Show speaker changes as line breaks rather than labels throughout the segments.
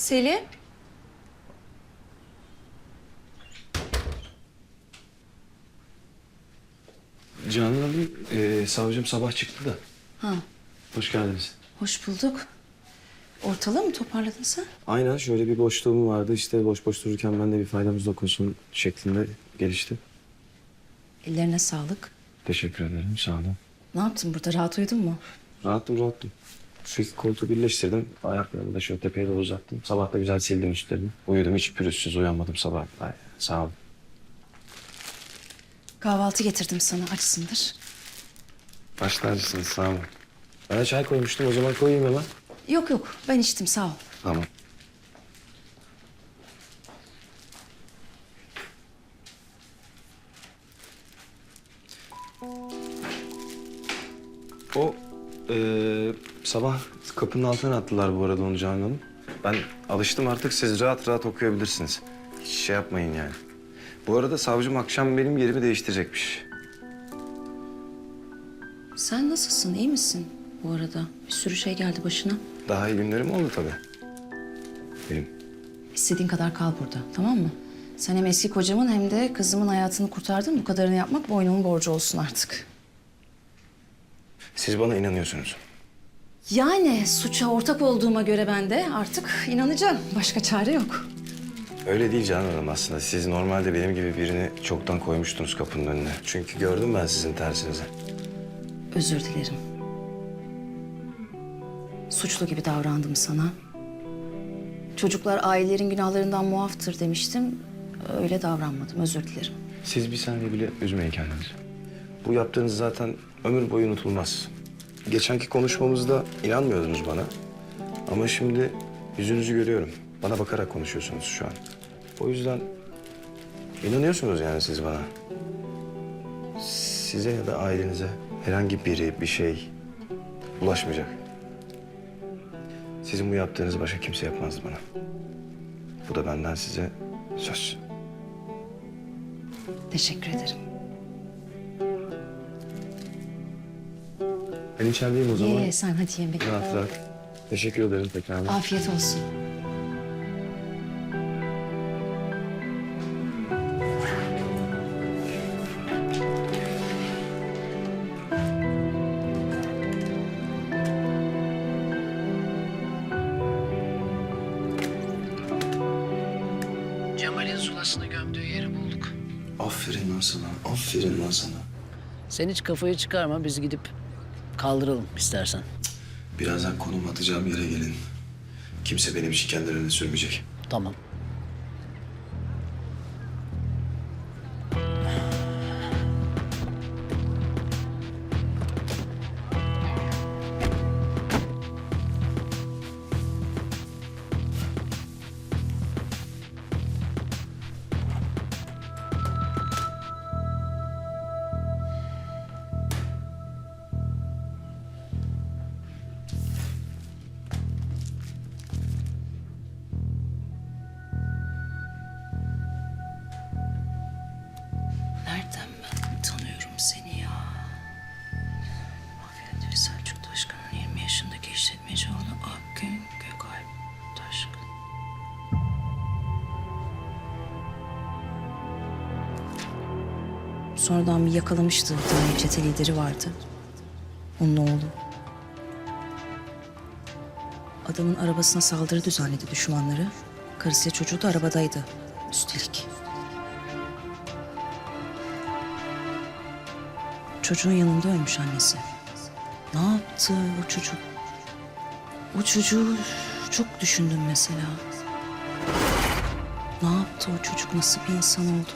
Selim.
Canan Hanım, savcım sabah çıktı da.
Ha,
Hoş geldiniz.
hoş bulduk. Ortalığı mı toparladın sen?
Aynen şöyle bir boşluğum vardı. İşte boş boş dururken ben de bir faydamız dokunsun şeklinde gelişti.
Ellerine sağlık.
Teşekkür ederim, sağ olun.
Ne yaptın burada? Rahat uyudun mu?
Rahattım. Şu iki koltuğu birleştirdim. Ayaklarımı da şöyle tepeye doğru uzattım. Sabah da güzel sildim üstlerini. Uyudum, hiç pürüzsüz uyanmadım sabah. Ay, sağ olun.
Kahvaltı getirdim sana. Açsındır.
Baş tacısınız, sağ olun. Ben de çay koymuştum, o zaman koyayım hemen.
Yok yok. Ben içtim. Sağ ol.
Tamam. O sabah kapının altına attılar bu arada onu Canan Hanım. Ben alıştım artık, siz rahat rahat okuyabilirsiniz. Hiç şey yapmayın yani. Bu arada savcım akşam benim yerimi değiştirecekmiş.
Sen nasılsın? İyi misin bu arada? Bir sürü şey geldi başına.
Daha iyi günlerim oldu tabii. Benim.
İstediğin kadar kal burada. Tamam mı? Sen hem eski kocamın hem de kızımın hayatını kurtardın. Bu kadarını yapmak boynumun borcu olsun artık.
Siz bana inanıyorsunuz.
Yani suça ortak olduğuma göre ben de artık inanacağım. Başka çare yok.
Öyle değil Canan Hanım aslında. Siz normalde benim gibi birini çoktan koymuştunuz kapının önüne. Çünkü gördüm ben sizin tersinizi.
Özür dilerim. Suçlu gibi davrandım sana. Çocuklar ailelerin günahlarından muaftır demiştim. Öyle davranmadım. Özür dilerim.
Siz bir saniye bile üzmeyin kendinizi. Bu yaptığınız zaten ömür boyu unutulmaz. Geçenki konuşmamızda inanmıyordunuz bana. Ama şimdi yüzünüzü görüyorum. Bana bakarak konuşuyorsunuz şu an. O yüzden inanıyorsunuz yani siz bana. Size ya da ailenize herhangi biri, bir şey ulaşmayacak. Sizin bu yaptığınızı başka kimse yapmazdı bana. Bu da benden size söz.
Teşekkür ederim.
Ben içerideyim o zaman.
Ye sen hadi yemek.
Rahat rahat. Teşekkür ederim tekrar.
Afiyet olsun.
Cemal'in zulasını gömdüğü yeri bulduk.
Aferin lan sana, aferin lan sana.
Sen hiç kafayı çıkarma, biz gidip kaldıralım istersen.
Birazdan konum atacağım yere gelin. Kimse benim için kendi önüne sürmeyecek.
Tamam.
Nereden ben tanıyorum seni ya? Mafya Selçuk Taşkın'ın 20 yaşındaki işletmeci oğlu Akgün Gökalp Taşkın. Sonradan bir yakalamıştı. Bir tane çete lideri vardı. Onun oğlu. Adamın arabasına saldırı düzenledi düşmanları. Karısıyla çocuğu da arabadaydı. Üstelik. Çocuğun yanında ölmüş annesi. Ne yaptı o çocuk? O çocuğu çok düşündüm mesela. Ne yaptı o çocuk? Nasıl bir insan oldu?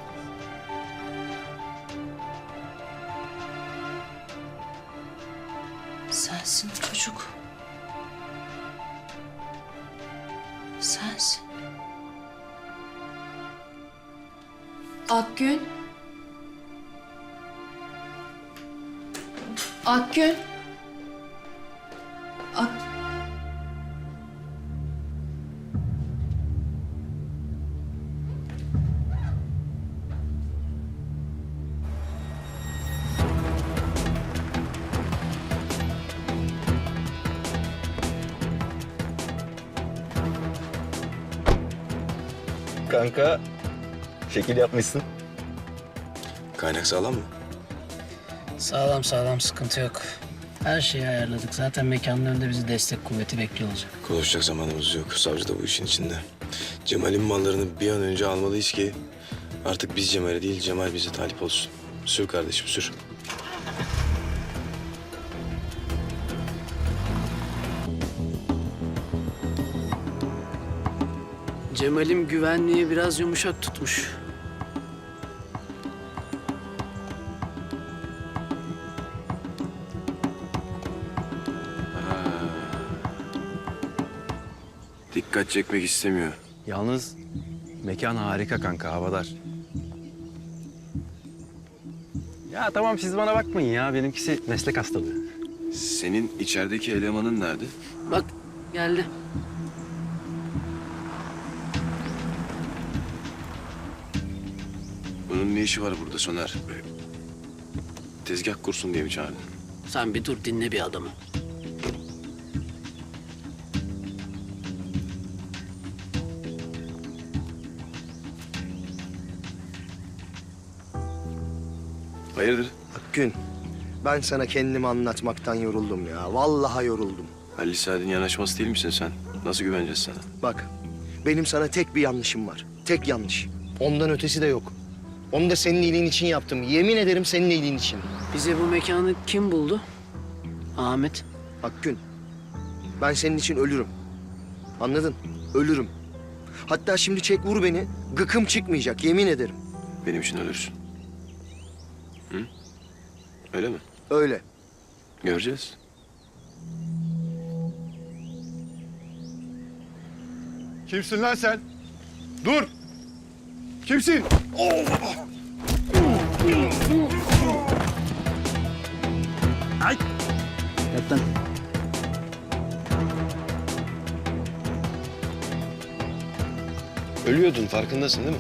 Sensin o çocuk. Sensin. Akgün. Akgün.
kanka. Şekil yapmışsın.
Kaynak sağlam mı?
Sağlam sağlam, sıkıntı yok. Her şeyi ayarladık. Zaten mekanın önünde bizi destek kuvveti bekliyor olacak.
Konuşacak zamanımız yok. Savcı da bu işin içinde. Cemal'in mallarını bir an önce almalıyız ki artık biz Cemal'e değil, Cemal bize talip olsun. Sür kardeşim, sür.
Cemal'im güvenliği biraz yumuşak tutmuş.
Dikkat çekmek istemiyor.
Yalnız mekan harika kanka, havadar. Ya tamam siz bana bakmayın ya. Benimkisi meslek hastalığı.
Senin içerideki elemanın nerede?
Bak geldi.
Bunun ne işi var burada Soner? Tezgah kursun diye mi çağırdın?
Sen bir dur, dinle bir adamı.
Hayırdır?
Akgün, ben sana kendimi anlatmaktan yoruldum ya. Vallahi yoruldum.
Halil Saad'in yanaşması değil misin sen? Nasıl güveneceğiz sana?
Bak, benim sana tek bir yanlışım var. Tek yanlış. Ondan ötesi de yok. Onu da senin iyiliğin için yaptım. Yemin ederim senin iyiliğin için.
Bize bu mekanı kim buldu? Ahmet.
Akgün, ben senin için ölürüm. Anladın? Ölürüm. Hatta şimdi çek vur beni. Gıkım çıkmayacak, yemin ederim.
Benim için ölürsün. Hı? Öyle mi?
Öyle.
Göreceğiz.
Kimsin lan sen? Dur! Kimsin?
Yat lan.
Ölüyordun, farkındasın değil mi?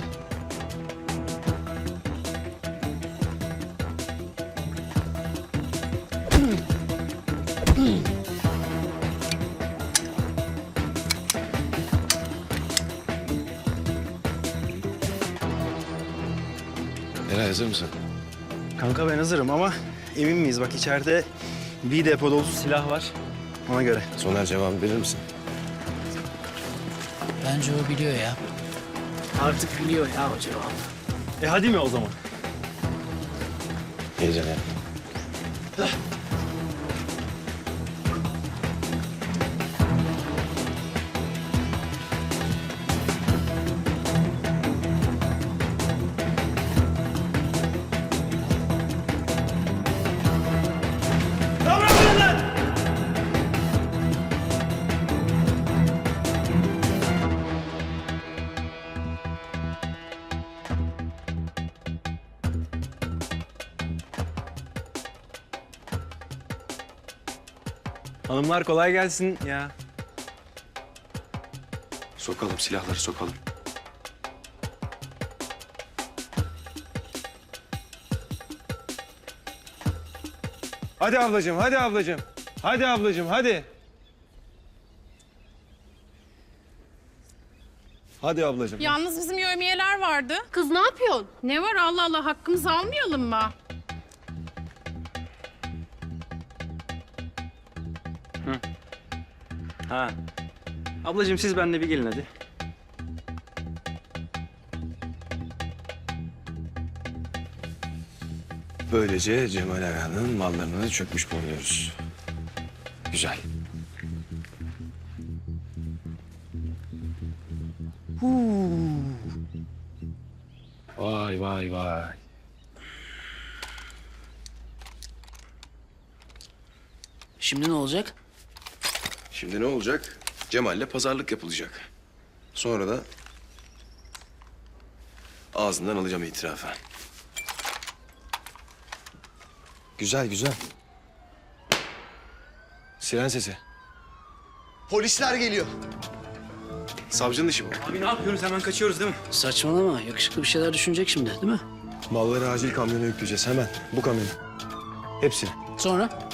Eray, hazır mısın?
Kanka ben hazırım ama emin miyiz? Bak içeride bir depo dolusu silah var. Ona göre.
Soner, cevabı verir misin?
Bence o biliyor ya. Artık biliyor ya o cevabı.
Hadi mi o zaman?
Heyecan yapma.
Hanımlar kolay gelsin ya.
Sokalım, silahları sokalım.
Hadi ablacığım, hadi ablacığım. Hadi ablacığım, hadi. Hadi ablacığım.
Yalnız bizim yevmiyeler vardı. Kız ne yapıyorsun? Ne var Allah Allah, hakkımızı almayalım mı?
Ha. Ablacığım siz benimle bir gelin hadi.
Böylece Cemal Aga'nın mallarını çökmüş bulunuyoruz. Güzel. Vay vay vay.
Şimdi ne olacak?
Şimdi ne olacak? Cemal'le pazarlık yapılacak. Sonra da ağzından alacağım itirafı. Güzel güzel. Siren sesi.
Polisler geliyor.
Savcının işi bu.
Abi ne yapıyoruz? Hemen kaçıyoruz değil mi?
Saçmalama. Yakışıklı bir şeyler düşünecek şimdi, değil mi?
Malları acil kamyona yükleyeceğiz hemen. Bu kamyonu. Hepsini.
Sonra?